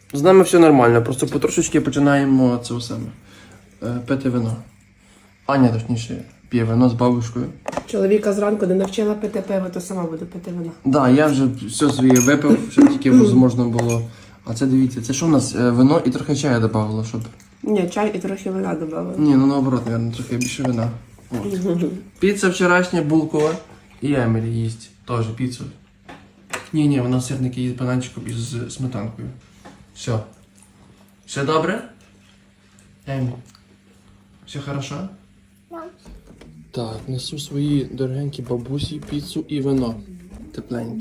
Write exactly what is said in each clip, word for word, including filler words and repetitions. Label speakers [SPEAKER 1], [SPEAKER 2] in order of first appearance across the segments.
[SPEAKER 1] З нами все нормально, просто потрошечки починаємо це саме. е, Пити вино. Аня, точніше, п'є вино з бабушкою.
[SPEAKER 2] Чоловіка зранку не навчила пити пиво, то сама буду пити вино.
[SPEAKER 1] Так, да, я вже все своє випив, щоб тільки можна було. А це дивіться, це що у нас? Е, Вино і трохи чаю додавало, щоб.
[SPEAKER 2] Ні, чай і трохи вина додала.
[SPEAKER 1] Ні, ну наоборот, мабуть, трохи більше вина. От. Піца вчорашня, булкова. І Емілі їсть теж піцу. Ні, ні, вона сирники їсть бананчиком із сметанкою. Все. Все добре? Емілі? Все хорошо? Так, несу свої дорогенькі бабусі піцу і вино. Тепленьке.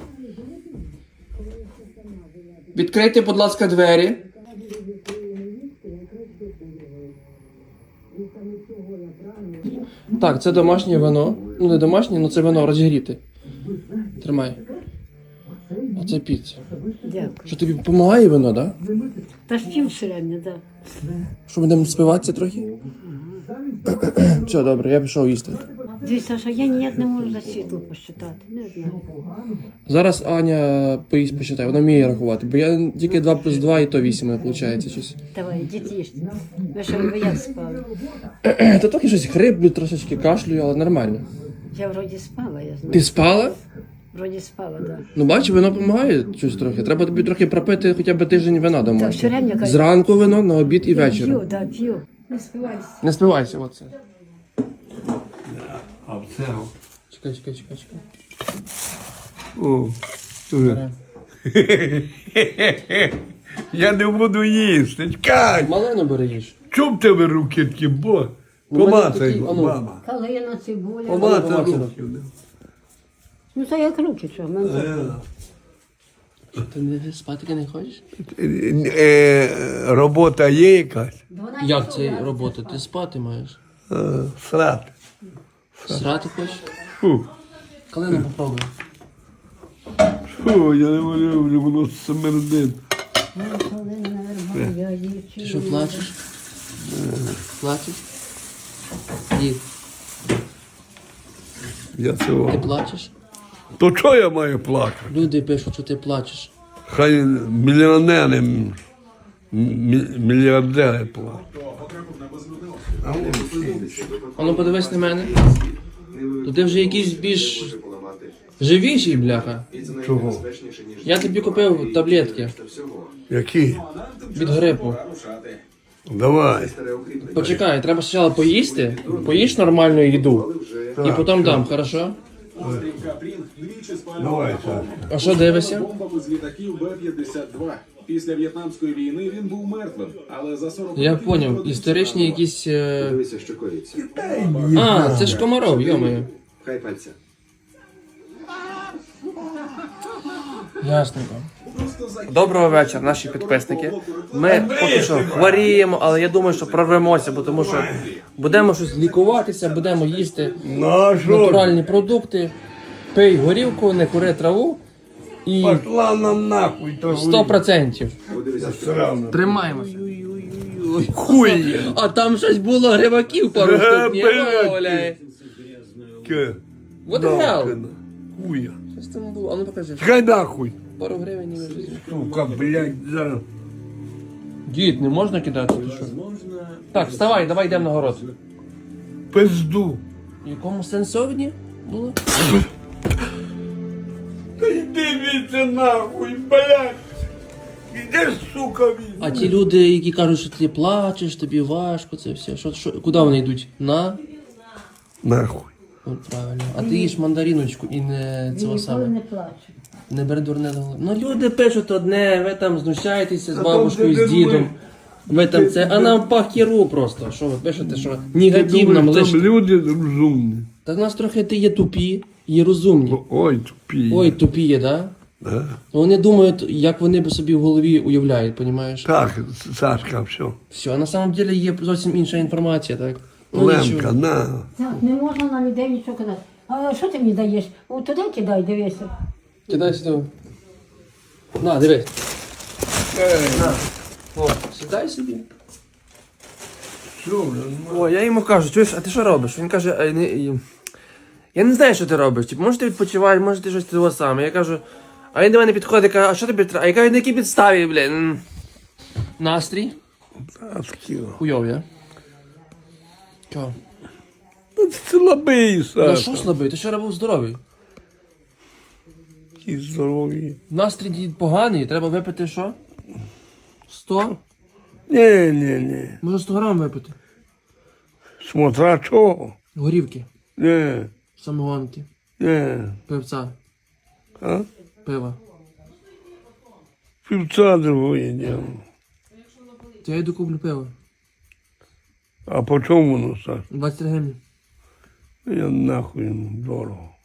[SPEAKER 1] Відкрийте, будь ласка, двері. Так, це домашнє вино. Ну, не домашнє, але це вино розігріте. Тримай. А це піца.
[SPEAKER 3] Дякую.
[SPEAKER 1] Що тобі допомагає вино, так? Да?
[SPEAKER 3] Та ж пів середньо, так.
[SPEAKER 1] Що, будемо спиватися трохи? Все, добре, я пішов їсти.
[SPEAKER 3] Дивіться, що я ніяк не можу за світло посчитати. Не знаю.
[SPEAKER 1] Зараз Аня поїсть посчитає, вона вміє рахувати, бо я тільки два плюс два і то вісім, виходить щось.
[SPEAKER 3] Давай, діти їжте. Ви що, ви як спали?
[SPEAKER 1] Та трохи щось хриплю, трошечки кашлюю, але нормально.
[SPEAKER 3] Я вроді спала, я знаю.
[SPEAKER 1] Ти спала?
[SPEAKER 3] Вроді спала, так.
[SPEAKER 1] Ну бачиш, вино допомагає щось трохи. Треба тобі трохи пропити хоча б тиждень вина
[SPEAKER 3] Так,
[SPEAKER 1] дома.
[SPEAKER 3] все рівно, кажу.
[SPEAKER 1] Зранку вино, на обід і
[SPEAKER 3] Я
[SPEAKER 1] ввечері.
[SPEAKER 3] п'ю, так, п'ю. Не спивайся.
[SPEAKER 1] Не спивайся, оце.
[SPEAKER 4] А це.
[SPEAKER 1] Чекай, чекай, чекай, чекай.
[SPEAKER 4] О,
[SPEAKER 1] Бере.
[SPEAKER 4] я не буду їсти. Чекай!
[SPEAKER 1] Малину бери їж.
[SPEAKER 4] Чому в тебе руки такі, бо?
[SPEAKER 1] Ну, в мене
[SPEAKER 4] Помацай,
[SPEAKER 1] такі, а ну.
[SPEAKER 4] мама.
[SPEAKER 3] Калина, цибуля.
[SPEAKER 4] Помацай
[SPEAKER 1] помацай
[SPEAKER 4] руки.
[SPEAKER 3] Ну, це як руки, що? Мене...
[SPEAKER 4] Е,
[SPEAKER 1] Ти не спати не хочеш?
[SPEAKER 4] е, Робота є якась?
[SPEAKER 1] Як це робота? Ти спати маєш?
[SPEAKER 4] Е, Срати.
[SPEAKER 1] Срати хочеш?
[SPEAKER 4] Фу.
[SPEAKER 1] Калину попробуй.
[SPEAKER 4] Фу, я не можу, вже воно смердить.
[SPEAKER 1] Ти що, плачеш? Плачеш? Дід,
[SPEAKER 4] Я
[SPEAKER 1] ти
[SPEAKER 4] цього.
[SPEAKER 1] плачеш?
[SPEAKER 4] То чого я маю плакати?
[SPEAKER 1] Люди пишуть, що ти плачеш.
[SPEAKER 4] Хай мільйонери, м- мі- мільярдери плачуть.
[SPEAKER 1] А ну подивись на мене. То ти вже якийсь більш живіший, бляха.
[SPEAKER 4] Чого?
[SPEAKER 1] Я тобі купив таблетки
[SPEAKER 4] Які?
[SPEAKER 1] від грипу.
[SPEAKER 4] Давай.
[SPEAKER 1] Почекай, треба спочатку поїсти, поїж нормальну їду, і потім дам, хорошо?
[SPEAKER 4] Давай, Саш.
[SPEAKER 1] А що дивишся?
[SPEAKER 5] Бомбами з літаків Б п'ятдесят два. Після В'єтнамської війни він був мертвим, але за сорок
[SPEAKER 1] Я
[SPEAKER 5] років
[SPEAKER 1] поняв,
[SPEAKER 5] народився
[SPEAKER 1] історичні якісь... е,
[SPEAKER 6] Дивися, що коїться.
[SPEAKER 1] А, це ж Комаров, йомаю.
[SPEAKER 6] Хай пальця.
[SPEAKER 1] Ясненько. Доброго вечора, наші підписники. Ми поки що хворіємо, але я думаю, що прорвемося, бо тому що будемо щось лікуватися, будемо їсти
[SPEAKER 4] Ну, а що?
[SPEAKER 1] натуральні продукти, пий горілку, не кури траву і
[SPEAKER 4] Пошла нам нахуй, то
[SPEAKER 1] сто процентів.
[SPEAKER 4] сразу.
[SPEAKER 1] Тримаємося. Хуй! А там щось було гриваків пару штук, ні?
[SPEAKER 4] блядь.
[SPEAKER 1] Оля.
[SPEAKER 4] Ке.
[SPEAKER 1] What the hell?
[SPEAKER 4] Хуя.
[SPEAKER 1] Щось там було, а ну покажи.
[SPEAKER 4] Хай нахуй.
[SPEAKER 1] Пару гривень і вже.
[SPEAKER 4] Сука, блядь, зараз.
[SPEAKER 1] Дід, не можна кидати, ти що? Так, вставай, давай йдемо на город.
[SPEAKER 4] Пизду.
[SPEAKER 1] В якому сенсовні було?
[SPEAKER 4] Та йди віце нахуй, блядь. Іди, сука, від.
[SPEAKER 1] А ті люди, які кажуть, що ти плачеш, тобі важко, це все. Що, що, куди вони йдуть? На?
[SPEAKER 4] Нахуй.
[SPEAKER 1] От правильно. А ти їш мандаріночку і не цього
[SPEAKER 3] Ніколи
[SPEAKER 1] саме.
[SPEAKER 3] не плачу.
[SPEAKER 1] Не бери дурне до голови. Ну люди пишуть одне, ви там знущаєтеся з
[SPEAKER 4] А
[SPEAKER 1] бабушкою,
[SPEAKER 4] там
[SPEAKER 1] з
[SPEAKER 4] де
[SPEAKER 1] дідом.
[SPEAKER 4] ми?
[SPEAKER 1] Ви там це, а нам пахіру просто. Що ви пишете, що негатив нам
[SPEAKER 4] Думаєш, там
[SPEAKER 1] лише.
[SPEAKER 4] люди розумні.
[SPEAKER 1] Та в нас трохи ти є тупі і розумні.
[SPEAKER 4] Ой, тупі.
[SPEAKER 1] Ой, тупі є, да?
[SPEAKER 4] Да.
[SPEAKER 1] Вони думають, як вони б собі в голові уявляють, понімаєш?
[SPEAKER 4] Так, Сашка, все.
[SPEAKER 1] Все, а на самом деле є зовсім інша інформація, так? Ну,
[SPEAKER 4] Лемка,
[SPEAKER 1] нічого.
[SPEAKER 4] на.
[SPEAKER 3] Так, не можна на людей нічого казати. А що ти мені даєш? О, туди кидай, дивися.
[SPEAKER 1] Кидай сюди. На, дивись. На. О, сідай собі.
[SPEAKER 4] Все,
[SPEAKER 1] О, я йому кажу, чуєш, а ти що робиш? Він каже, «Ай, не, і- я не знаю, що ти робиш. Типу, може ти відпочиваєш, може ти щось того саме. Я кажу, а він до мене підходить, каже, а що тобі треба? А я кажу, на якій підставі, блін? Настрій?
[SPEAKER 4] А скільки?
[SPEAKER 1] Хуйовий, а? Чого?
[SPEAKER 4] Ти слабий,
[SPEAKER 1] Ну
[SPEAKER 4] Саша.
[SPEAKER 1] що слабий? Ти вчора був здоровий.
[SPEAKER 4] Ті здорові.
[SPEAKER 1] Настрій дід поганий, треба випити що? сто?
[SPEAKER 4] Ні, ні, ні.
[SPEAKER 1] Може сто грам випити?
[SPEAKER 4] Смотря чого?
[SPEAKER 1] Горівки,
[SPEAKER 4] Ні,
[SPEAKER 1] самогонки,
[SPEAKER 4] ні.
[SPEAKER 1] пивця,
[SPEAKER 4] А?
[SPEAKER 1] пива.
[SPEAKER 4] Півця другої діло.
[SPEAKER 1] То я йду куплю пиво.
[SPEAKER 4] А по чому воно, Саша?
[SPEAKER 1] двадцять гривень.
[SPEAKER 4] Я нахуй йому дорого.